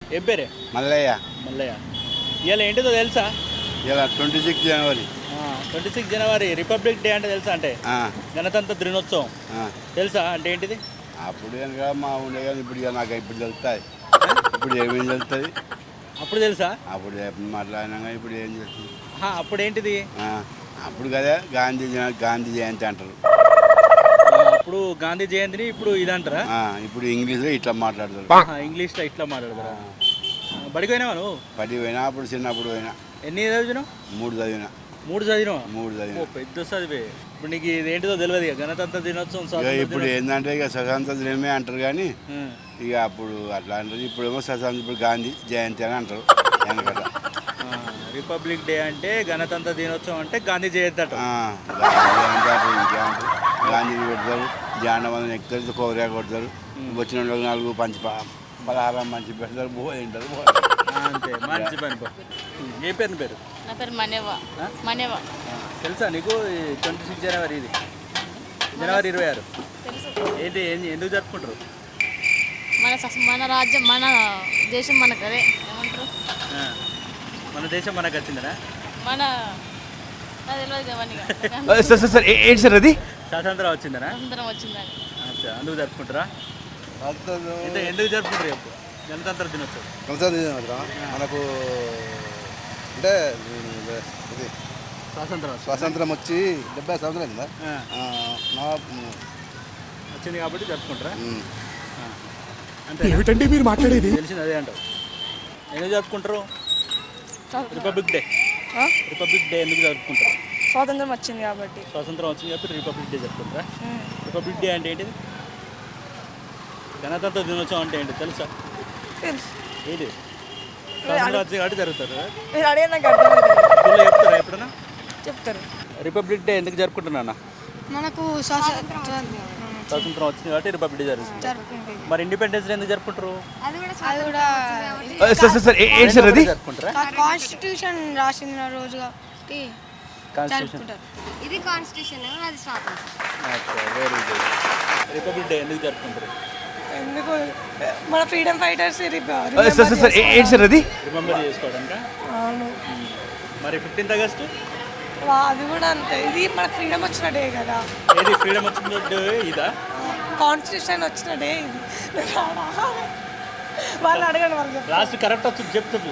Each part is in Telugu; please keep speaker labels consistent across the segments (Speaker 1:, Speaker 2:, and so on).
Speaker 1: ఏం పేరే?
Speaker 2: మల్లయ్య.
Speaker 1: మల్లయ్య. ఇవాళ ఏంటిదో తెలుసా?
Speaker 2: ఇలా 26 జనవరి.
Speaker 1: 26 జనవరి రిపబ్లిక్ డే అంటే తెలుసా? అంటే గణతంత్ర దినోత్సవం తెలుసా? అంటే ఏంటిది?
Speaker 2: అప్పుడు కనుక మా ఉండే కానీ ఇప్పుడు ఇక నాకు ఇప్పుడు తెలుస్తాయి. ఇప్పుడు ఏమేమి తెలుస్తుంది?
Speaker 1: అప్పుడు తెలుసా?
Speaker 2: అప్పుడు మాట్లాడినా కానీ ఇప్పుడు ఏం తెలుస్తుంది?
Speaker 1: అప్పుడు ఏంటిది?
Speaker 2: అప్పుడు కదా గాంధీ జయంతి అంటారు.
Speaker 1: అప్పుడు గాంధీ జయంతిని ఇప్పుడు ఇదంటారా?
Speaker 2: ఇప్పుడు ఇంగ్లీష్లో ఇట్లా మాట్లాడతారు.
Speaker 1: ఇంగ్లీష్లో ఇట్లా మాట్లాడతారా? బడికి పోయినావా నువ్వు?
Speaker 2: బడికి పోయినా, అప్పుడు చిన్నప్పుడు పోయినా.
Speaker 1: ఎన్ని చదివినావు?
Speaker 2: 3 చదివినా.
Speaker 1: 3 చదివినావా?
Speaker 2: 3 చదివినా.
Speaker 1: పెద్ద చదివే. ఇప్పుడు నీకు ఇది ఏంటిదో తెలియదు ఇక గణతంత్ర దినోత్సవం.
Speaker 2: ఇప్పుడు ఏంటంటే ఇక స్వతంత్ర దినమే అంటారు కానీ ఇక అప్పుడు అట్లా అంటారు. ఇప్పుడేమో ఇప్పుడు గాంధీ జయంతి అని అంటారు. వెనకట
Speaker 1: రిపబ్లిక్ డే అంటే గణతంత్ర దినోత్సవం అంటే గాంధీ జయంతి అంటారు.
Speaker 2: గాంధీ పెడతారు, జాండమంది ఎక్కుతారు, కోరియా కొడతారు, వచ్చిన 4 పలహారం మంచి పెడతారు, బో తింటారు.
Speaker 1: అంతే, మంచి పని. ఏ పేరు? పేరు
Speaker 3: నా పేరు మనేవా.
Speaker 1: తెలుసా నీకు? 26 జనవరి ఇది జనవరి 26 ఏంటి ఎందుకు జరుపుకుంటారు?
Speaker 3: మన రాజ్యం, మన దేశం మనకు అదే ఏమంటారు,
Speaker 1: మన దేశం మనకు వచ్చిందనా?
Speaker 3: మన
Speaker 1: ఏంటి సార్ అది? స్వాతంత్రం వచ్చిందనా?
Speaker 3: స్వాతంత్రం వచ్చిందని
Speaker 1: అందుకు జరుపుకుంటారా? ఎందుకు జరుపుకుంటారు చెప్పు? గణతంత్ర దినోత్సవం
Speaker 4: మనకు అంటే ఇది స్వాతంత్రం వచ్చి 70 సంవత్సరాలు
Speaker 1: వచ్చింది కాబట్టి జరుపుకుంటారా?
Speaker 5: ఏమిటండి మీరు మాట్లాడేది?
Speaker 1: తెలిసింది అదే అంటావు. ఎందుకు జరుపుకుంటారు రిపబ్లిక్ డే? రిపబ్లిక్ డే ఎందుకు జరుపుకుంటారు?
Speaker 6: స్వాతంత్రం వచ్చింది కాబట్టి.
Speaker 1: స్వాతంత్రం వచ్చింది కాబట్టి రిపబ్లిక్ డే జరుపుకుంటారా? రిపబ్లిక్ డే అంటే ఏంటిది? గణతంత్ర దినోత్సవం అంటే ఏంటి తెలుసా? ఏంటి? స్వాతంత్రం వచ్చింది కాబట్టి జరుగుతారు. చెప్తారా ఎప్పుడన్నా?
Speaker 6: చెప్తారు.
Speaker 1: రిపబ్లిక్ డే ఎందుకు జరుపుకుంటున్నా?
Speaker 6: మనకు
Speaker 1: స్వాతంత్రం వచ్చింది కాబట్టి రిపబ్లిక్ డే జరుగుతుంది. మరి ఇండిపెండెన్స్ డే ఎందుకు జరుపుకుంటారు?
Speaker 6: కాన్స్టిట్యూషన్ రాసిన రోజు కాబట్టి జరుపుకుంటారు.
Speaker 3: ఇది కాన్స్టిట్యూషన్, అది స్వాతంత్రం.
Speaker 1: Very good. రిపబ్లిక్ డే ఎందుకు జరుపుకుంటారు?
Speaker 6: ఎందుకు మన ఫ్రీడమ్ ఫైటర్స్
Speaker 1: రిమెంబర్ చేసుకోవడానికి.
Speaker 6: అవును.
Speaker 1: మరి 15th ఆగస్టు
Speaker 6: అది కూడా అంతే. ఇది మన ఫ్రీడమ్ వచ్చిన డే కదా.
Speaker 1: ఏది ఫ్రీడమ్ వచ్చిన డే? ఇదా
Speaker 6: కాన్స్టిట్యూషన్ వచ్చిన డే ఇది. వాళ్ళు అడగండి, వాళ్ళు
Speaker 1: లాస్ట్ కరెక్ట్ వచ్చింది చెప్తారు.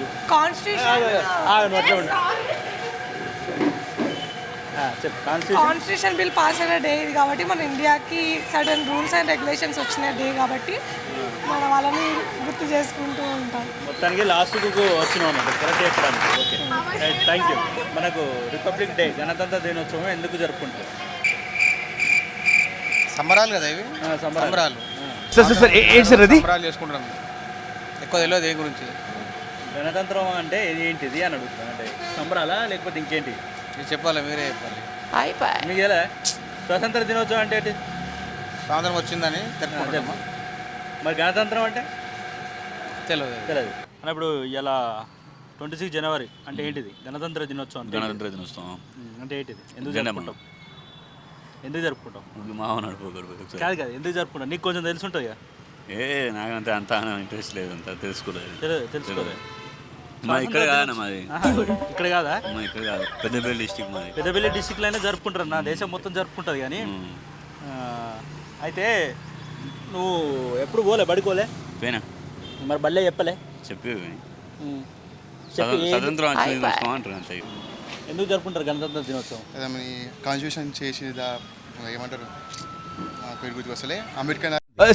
Speaker 6: కాన్స్టిట్యూషన్ బిల్ పాస్ అయిన డే ఇది కాబట్టి మన ఇండియాకి సడన్ రూల్స్ అండ్ రెగ్యులేషన్స్ వచ్చిన డే కాబట్టి మన వాళ్ళని గుర్తు చేసుకుంటూ ఉంటాం.
Speaker 1: మొత్తానికి లాస్ట్కు వచ్చినాం అన్నమాట కరెక్ట్ చెప్పడానికి. Okay, thank you. మనకు రిపబ్లిక్ డే గణతంత్ర దినోత్సవం ఎందుకు జరుపుకుంటారు?
Speaker 4: సంబరాలు కదా ఇవి, సంబరాలు చేసుకుంటాం. ఎక్కువ తెలియదు దేని గురించి.
Speaker 1: గణతంత్రం అంటే ఏంటిది అని అడుగుతున్నాను. అంటే సంబరాలా లేకపోతే ఇంకేంటి
Speaker 4: చెప్పాలి? మీరే చెప్పాలి.
Speaker 1: మీకు ఎలా స్వాతంత్ర దినోత్సవం అంటే ఏంటి?
Speaker 4: స్వాతంత్రం వచ్చిందని తెలుపుకుంటామా?
Speaker 1: మరి గణతంత్రం అంటే
Speaker 4: తెలియదు.
Speaker 1: అన్నప్పుడు ఇలా 26 జనవరి అంటే ఏంటిది? గణతంత్ర దినోత్సవం.
Speaker 7: గణతంత్ర దినోత్సవం
Speaker 1: అంటే ఏంటిది? ఎందుకు జరుపుకుంటాం? ఎందుకు జరుపుకుంటాం? కాదు కాదు, ఎందుకు జరుపుకుంటాం? నీకు కొంచెం తెలిసి ఉంటుంది కదా.
Speaker 7: నాకంటే అంత ఇంట్రెస్ట్ లేదు, అంత తెలుసుకోలేదు.
Speaker 1: ఇక్కడ కాదా? మాది ఇక్కడ కాదా?
Speaker 7: ఇక్కడ కాదు, పెద్దపల్లి డిస్టిక్ మాది.
Speaker 1: పెద్దపల్లి డిస్టిక్లో అయినా జరుపుకుంటారు. నా దేశం మొత్తం జరుపుకుంటుంది కానీ. అయితే నువ్వు ఎప్పుడు పోలే బడికోలే?
Speaker 7: పోయినా.
Speaker 1: మరి బల్లే చెప్పలే?
Speaker 7: స్వతంత్రం అంటారు అంతే.
Speaker 1: ఎందుకు జరుపుకుంటారు గణతంత్ర దినోత్సవం?
Speaker 4: కాన్స్టిట్యూషన్ చేసి ఏమంటారు పేరు గుర్తుకు వస్తలే. అంబేద్కర్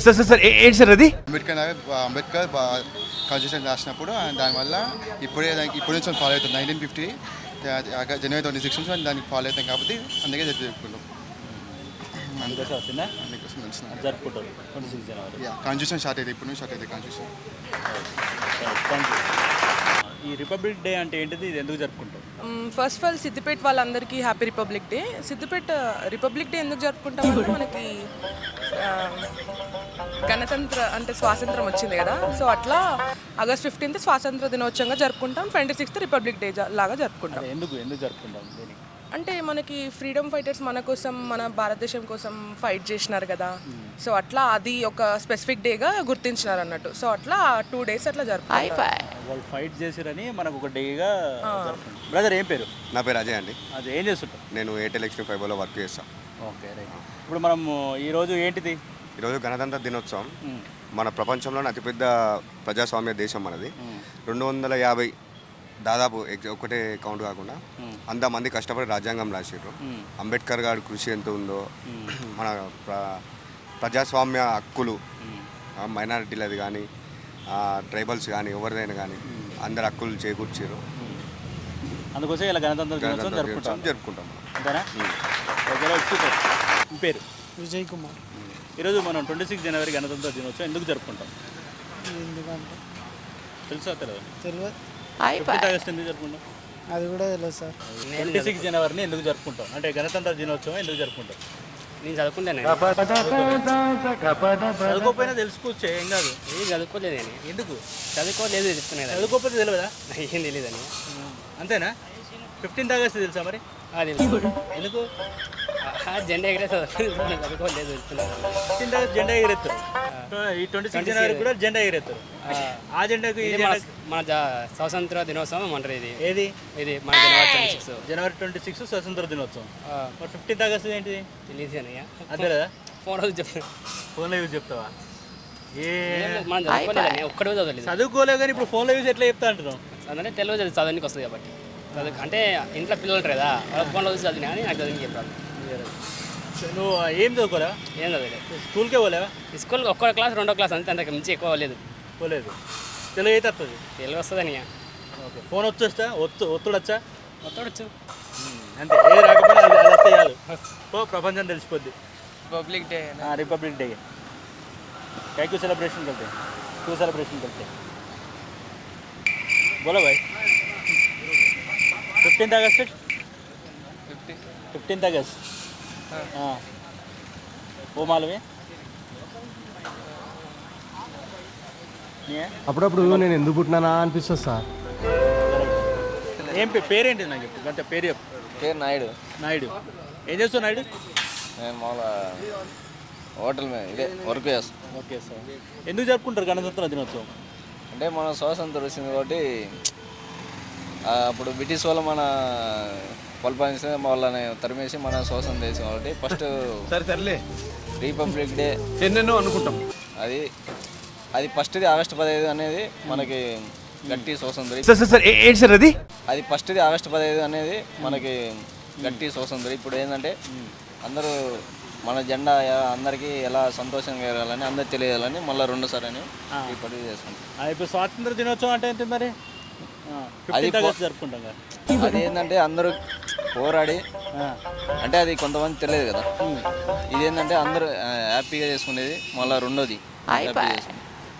Speaker 4: కాన్స్టిట్యూషన్ రాసినప్పుడు దానివల్ల ఇప్పుడే ఇప్పుడు నుంచి ఫాలో అవుతుంది. 1950 జనవరి 26 నుంచి దానికి ఫాలో అవుతాం కాబట్టి అందుకే జరుపుకుంటాం.
Speaker 1: జరుపుకుంటారు 26 జనవరి.
Speaker 4: కాన్స్టిట్యూషన్ స్టార్ట్ అయితే ఇప్పుడు నుంచి స్టార్ట్ అయితే కాన్స్టిట్యూషన్.
Speaker 1: ఈ రిపబ్లిక్ డే అంటే ఏంటిది? ఇది ఎందుకు జరుపుకుంటాం?
Speaker 8: ఫస్ట్ ఆఫ్ ఆల్ సిద్దిపేట వాళ్ళందరికీ happy republic day. Siddipet republic day ఎందుకు జరుపుకుంటామంటే మనకి గణతంత్ర అంటే స్వాతంత్రం వచ్చింది కదా. సో అట్లా ఆగస్ట్ 15th స్వాతంత్ర దినోత్సవంగా జరుపుకుంటాం. 26th రిపబ్లిక్ డే లాగా జరుపుకుంటాం.
Speaker 1: ఎందుకు జరుపుకుంటాం?
Speaker 8: అంటే మనకి ఫ్రీడమ్ ఫైటర్స్ మన కోసం మన భారతదేశం కోసం ఫైట్ చేసినారు కదా, సో అట్లా అది ఒక స్పెసిఫిక్ డేగా గుర్తించినారు అన్నట్టు. సో అట్లా 2 days అట్లా జరుపుకుంటారు.
Speaker 1: వాళ్ళు ఫైట్ చేసిరని మనకు ఒక డేగా బ్రదర్. ఏం పేరు?
Speaker 5: నా పేరు అజయ్ అండి.
Speaker 1: అది ఏం చేస్తుంటాం?
Speaker 5: నేను ఎయిర్టెల్ ఎక్స్ట్రీమ్ ఫైబర్లో వర్క్ చేస్తాను.
Speaker 1: Okay right. ఇప్పుడు మనం ఈరోజు ఏంటిది?
Speaker 5: ఈరోజు గణతంత్ర దినోత్సవం. మన ప్రపంచంలోని అతిపెద్ద ప్రజాస్వామ్య దేశం మనది. 250 దాదాపు ఒకటే కౌంట్ కాకుండా అంతమంది కష్టపడి రాజ్యాంగం రాసిర్రు. అంబేద్కర్ గారి కృషి ఎంత ఉందో, మన ప్రజాస్వామ్య హక్కులు మైనారిటీలది కానీ ట్రైబల్స్ కానీ ఎవరిదైనా కానీ అందరు హక్కులు చేకూర్చారు.
Speaker 1: అందుకోసం ఇలా గణతంత్ర దినోత్సవం
Speaker 5: జరుపుకుంటాం.
Speaker 1: అంతేనా? Okay super. మీ పేరు?
Speaker 9: విజయ్ కుమార్.
Speaker 1: ఈరోజు మనం 26 జనవరి గణతంత్ర దినోత్సవం ఎందుకు జరుపుకుంటాం?
Speaker 9: ఎందుకంటే
Speaker 1: తెలుసా తెలియదు?
Speaker 9: తెలియదు.
Speaker 1: 15 ఆగస్టు ఎందుకు జరుపుకుంటాం?
Speaker 9: అది కూడా తెలియదు సార్.
Speaker 1: 26 జనవరిని ఎందుకు జరుపుకుంటాం అంటే గణతంత్ర దినోత్సవం ఎందుకు జరుపుకుంటాం?
Speaker 10: నేను చదువుకుంటాను.
Speaker 1: చదువుకోకపోయినా తెలుసుకోవచ్చు, ఏం కాదు.
Speaker 10: ఏం చదువుకోలేదు నేను.
Speaker 1: ఎందుకు
Speaker 10: చదువుకోలేదు చెప్తున్నాను.
Speaker 1: చదువుకోకపోతే తెలియదా?
Speaker 10: ఏం తెలియదని.
Speaker 1: అంతేనా? 15 ఆగస్టు తెలుసా మరి? ఎందుకు?
Speaker 10: జెండా ఎగిరే చదువుకోలేదు చెప్తున్నాను.
Speaker 1: 15 ఆగస్టు జెండా ఎగిరెత్తారు. ఈ 26 జనవరి కూడా జెండా ఎగిరెత్తారు. ఆ జెండాకు ఈ
Speaker 10: మన స్వాతంత్ర దినోత్సవం అంటారు. ఇది
Speaker 1: ఏది?
Speaker 10: ఇది మన
Speaker 1: జనవరి 26 స్వతంత్ర దినోత్సవం. మరి 15 ఆగస్టు ఏంటిది?
Speaker 10: తెలియదు అన్నయ్య.
Speaker 1: అదే కదా
Speaker 10: ఫోన్లో చెప్తాను.
Speaker 1: ఫోన్లో యూజ్ చెప్తావా?
Speaker 10: మనం చదువుకోలేదు, ఒక్కడే చదవలేదు.
Speaker 1: చదువుకోలేవు కానీ ఇప్పుడు ఫోన్లో యూజ్ ఎట్లా చెప్తా అంటున్నావు?
Speaker 10: అంటే తెలుగు చదవడానికి వస్తుంది కాబట్టి. అంటే ఇంట్లో పిల్లలు ఉంటారు కదా, వాళ్ళ ఫోన్లో చూసి చదివినా కానీ నాకు చదివి చెప్పాలి.
Speaker 1: నువ్వు ఏం చదువుకోరా?
Speaker 10: ఏం చదవలేదు.
Speaker 1: స్కూల్కే పోలేవా?
Speaker 10: స్కూల్కి ఒక్కో క్లాస్ 2వ క్లాస్ అంతే, అంతకు మించి ఎక్కువ లేదు.
Speaker 1: పోలేదు. తెలుగు అయితే వస్తుంది?
Speaker 10: తెలుగు వస్తుంది అన్నయ్య.
Speaker 1: ఓకే. ఫోన్ వచ్చా? ఒత్తుడు వచ్చా?
Speaker 10: ఒత్తడొచ్చు
Speaker 1: అంతే. ఏది రాకపోయినా అది చేయాలి. ప్రపంచం తెలిసిపోద్ది.
Speaker 8: Republic day.
Speaker 1: रिपब्लिक डे क्या क्यों सेलिब्रेशन करते हैं? क्यों सेलिब्रेशन करते हैं? बोलो भाई. 15th अगस्त. 15th अगस्त. हाँ वो मालूम है?
Speaker 9: అప్పుడప్పుడు నేను ఎందుకు పుట్టినానా అనిపిస్తుంది సార్.
Speaker 1: ఏం పేరేంటి నాకు చెప్పు. అంటే పేరు చెప్పు.
Speaker 11: పేరు నాయుడు.
Speaker 1: నాయుడు ఏం చేస్తావు నాయుడు?
Speaker 11: నేను మామూలుగా హోటల్ మీద ఇదే వర్క్ చేస్తాను.
Speaker 1: Okay sir. ఎందుకు జరుపుకుంటారు గణతంత్ర దినోత్సవం?
Speaker 11: అంటే మన స్వాతంత్రం వచ్చింది కాబట్టి అప్పుడు బ్రిటిష్ వాళ్ళు మన పరిపాలించిన వాళ్ళని తరిమేసి మన స్వాతంత్రం దేశం కాబట్టి ఫస్ట్ రిపబ్లిక్ డే
Speaker 9: ఎన్నెన్నో అనుకుంటాం.
Speaker 11: అది ఫస్ట్ది ఆగస్టు 15 అనేది మనకి గట్టి స్వాతంత్రం. అది ఫస్ట్ది ఆగస్టు 15 అనేది మనకి గట్టి స్వాతంత్రం. ఇప్పుడు ఏంటంటే అందరూ మన జెండా అందరికీ ఎలా సంతోషంగా ఎగరాలని అందరికి తెలియాలని మళ్ళీ 2 సారి అని ఇప్పుడు చేసుకుంటాం.
Speaker 1: ఇప్పుడు స్వాతంత్ర దినోత్సవం అంటే ఏంటి మరి?
Speaker 11: అది
Speaker 1: జరుపుకుంటాం.
Speaker 11: అది ఏంటంటే అందరూ పోరాడి అంటే అది కొంతమంది తెలియదు కదా. ఇదేంటంటే అందరూ హ్యాపీగా చేసుకునేది. మళ్ళీ 2వది హ్యాపీ చేసుకుంటాం.